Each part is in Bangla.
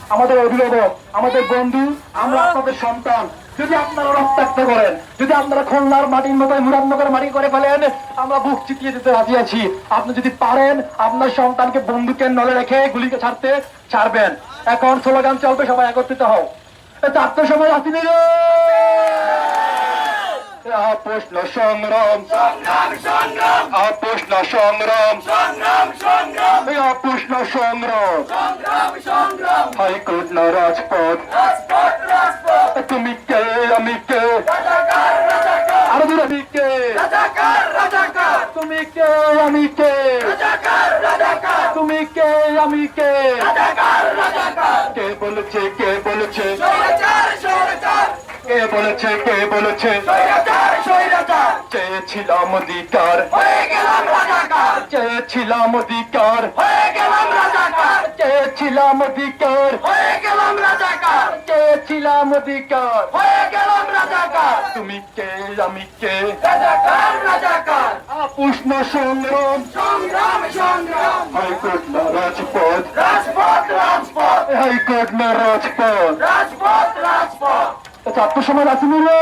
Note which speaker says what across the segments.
Speaker 1: আমাদের অভিভাবক, আমাদের বন্ধু, আমরা আপনাদের সন্তান। যদি আপনারা রক্তাক্ত করেন, যদি আপনারা খুলনার মাটির মতো মুরাদনগর মাটি করে ফেলেন, আমরা বুক চিতিয়ে দিতে রাজি আছি। আপনি যদি পারেন আপনার সন্তানকে বন্দুকের নলে রেখে গুলিকে ছাড়বেন। এখন স্লোগান চলবে, সবাই একত্রিত হও। চারটার সময় আসিনি রে প্রশ্ন সংগ্রাম, প্রশ্ন সংগ্রাম, প্রশ্ন সংগ্রাম, হাইকোর্ট না রাজপথ, তুমি কে আমি কে, আরো দূর আমি কে, তুমি কে আমি কে, তুমি কে আমি কে, কে বলেছে কে বলেছে, কে বলেছে কে বলেছে, চেয়েছিলাম অধিকার, চেয়েছিলাম অধিকার, চেয়েছিলাম অধিকার, চেয়েছিলাম অধিকার, তুমি কে আমি কে, উষ্ণ সংগ্রাম, হাইকোর্ট না রাজপথ, হাইকোর্ট না রাজপথ, চারটার সময় আসিনি রে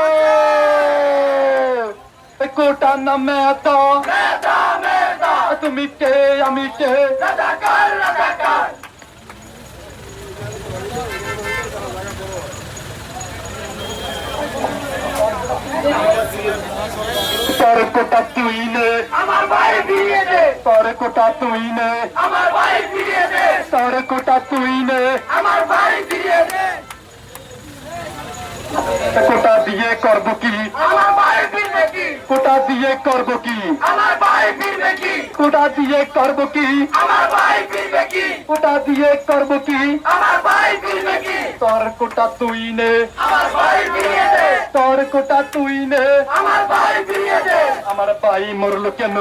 Speaker 1: কোটা না মেতা, তুমি কে আমি কে, তোর কোটা তুই নে, আমার ভাই ফিরিয়ে দে, তোর কোটা তুই নে, আমার ভাই ফিরিয়ে দে, তোর কোটা তুই নে, আমার ভাই ফিরিয়ে দে। কোটা দিয়ে করবো কি, আমার ভাই ফিরবে কি, কোটা দিয়ে করবো কি, আমার ভাই ফিরবে কি, কোটা দিয়ে করবো কি, আমার ভাই ফিরবে কি, কোটা দিয়ে করবো কি, আমার ভাই ফিরবে কি, তোর কোটা তুই নে, আমার ভাই ফিরিয়ে দে, তোর কোটা তুই নে, আমার ভাই ফিরিয়ে দে। আমার ভাই মরলো কেন,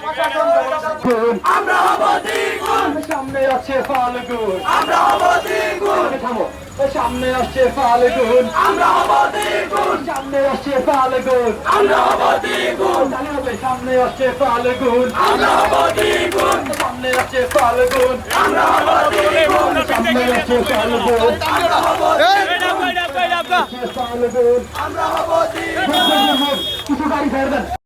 Speaker 1: আমরা হব দ্বিগুণ, সামনে আছে ফাল্গুন, আমরা হব দ্বিগুণ, থামো, সামনে আসছে ফাল্গুন, আমরা হব দ্বিগুণ, সামনে আসছে ফাল্গুন, আমরা হব দ্বিগুণ, সামনে আসছে ফাল্গুন, আমরা হব দ্বিগুণ, সামনে আসছে ফাল্গুন, আমরা হব দ্বিগুণ, সামনে আসছে ফাল্গুন, আমরা হব দ্বিগুণ, আমরা হব দ্বিগুণ, কিছু গাড়ি ফেরবেন।